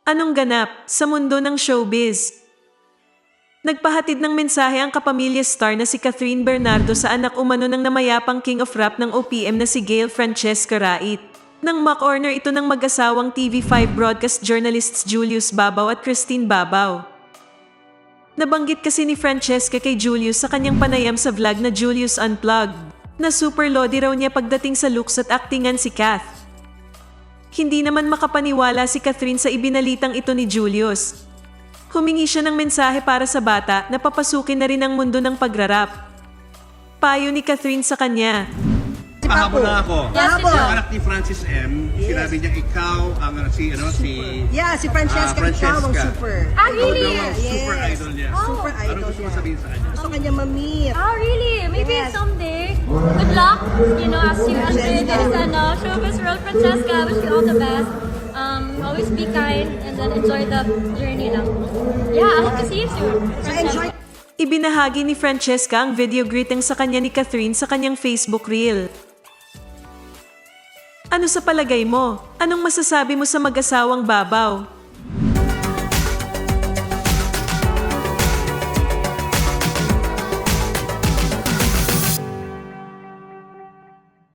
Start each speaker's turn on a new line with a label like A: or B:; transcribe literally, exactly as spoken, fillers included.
A: Anong ganap sa mundo ng showbiz? Nagpahatid ng mensahe ang kapamilya star na si Catherine Bernardo sa anak umano ng namayapang king of rap ng O P M na si Gail Francesca Rait. Nang ma-corner ito ng mag-asawang T V five broadcast journalists Julius Babaw at Christine Babaw. Nabanggit kasi ni Francesca kay Julius sa kanyang panayam sa vlog na Julius Unplugged, na super lodi raw niya pagdating sa looks at actingan si Kath. Hindi naman makapaniwala si Catherine sa ibinalitang ito ni Julius. Humingi siya ng mensahe para sa bata na papasukin na rin ang mundo ng pagrarap. Payo ni Catherine sa kanya.
B: Pahabol na ako.
C: Yes,
B: Yung
C: ito.
B: anak ni Francis M,
D: Yes.
B: sinabi niya ikaw ang ano, si ano si
D: Yeah, si Francesca,
B: Ah, Francesca.
D: ikaw ang super.
C: Ah, really?
B: Ikaw daw ang super
D: Yes.
B: idol niya.
D: Super
B: Ano
D: idol
B: gusto mo
D: niya.
B: sabihin sa kanya?
D: Gusto kanya ma-meet.
C: Oh, really? Maybe
D: Yes.
C: someday. Good luck, you know, as you enter this ano, showbiz world, Francesca. Wish you all the best. Um, always be kind and then enjoy the journey lang. Yeah, I hope to see you soon.
D: So enjoy.
A: Ibinahagi ni Francesca ang video greeting sa kanya ni Catherine sa kanyang Facebook reel. Ano sa palagay mo? Anong masasabi mo sa mag-asawang Babaw?